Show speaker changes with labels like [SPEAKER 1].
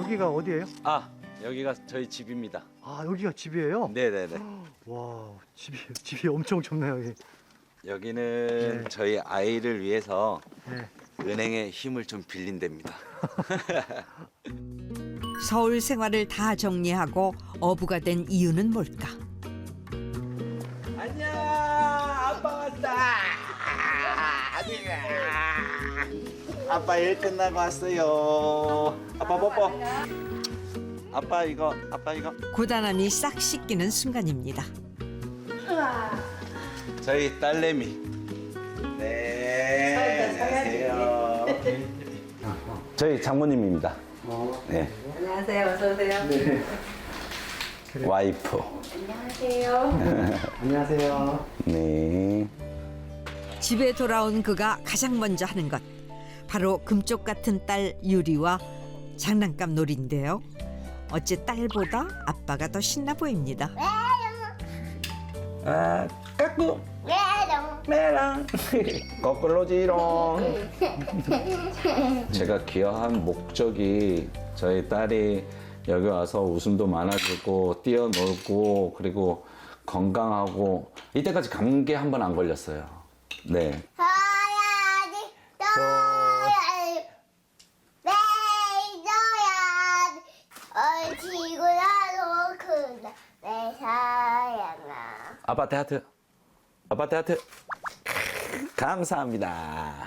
[SPEAKER 1] 여기가 어디예요?
[SPEAKER 2] 아, 여기가 저희 집입니다.
[SPEAKER 1] 아, 여기가 집이에요?
[SPEAKER 2] 네네네.
[SPEAKER 1] 와, 집이 엄청 좁네요, 여기.
[SPEAKER 2] 여기는
[SPEAKER 1] 네.
[SPEAKER 2] 저희 아이를 위해서
[SPEAKER 1] 네.
[SPEAKER 2] 은행의 힘을 좀 빌린 데입니다.
[SPEAKER 3] 서울 생활을 다 정리하고 어부가 된 이유는 뭘까?
[SPEAKER 2] 안녕, 아빠 왔다. 아빠 일 끝나고 왔어요. 아빠 뽀뽀. 아빠 이거.
[SPEAKER 3] 고단함이 싹 씻기는 순간입니다.
[SPEAKER 2] 저희 딸내미. 네, 안녕하세요. 저희 장모님입니다. 네,
[SPEAKER 4] 안녕하세요. 어서 오세요.
[SPEAKER 2] 와이프.
[SPEAKER 4] 안녕하세요.
[SPEAKER 1] 안녕하세요.
[SPEAKER 2] 네.
[SPEAKER 3] 집에 돌아온 그가 가장 먼저 하는 것 바로 금쪽 같은 딸 유리와 장난감 놀이인데요. 어째 딸보다 아빠가 더 신나 보입니다.
[SPEAKER 2] 아, 까꾸. 메랑. 거꾸로지롱. 제가 귀화한 목적이 저희 딸이 여기 와서 웃음도 많아지고 뛰어놀고 그리고 건강하고 이때까지 감기 한 번 안 걸렸어요. 네.
[SPEAKER 5] 서야지 떠야지 내줘야지 얼지구나도 크다 내 사랑아
[SPEAKER 2] 아빠한테 하트. 감사합니다.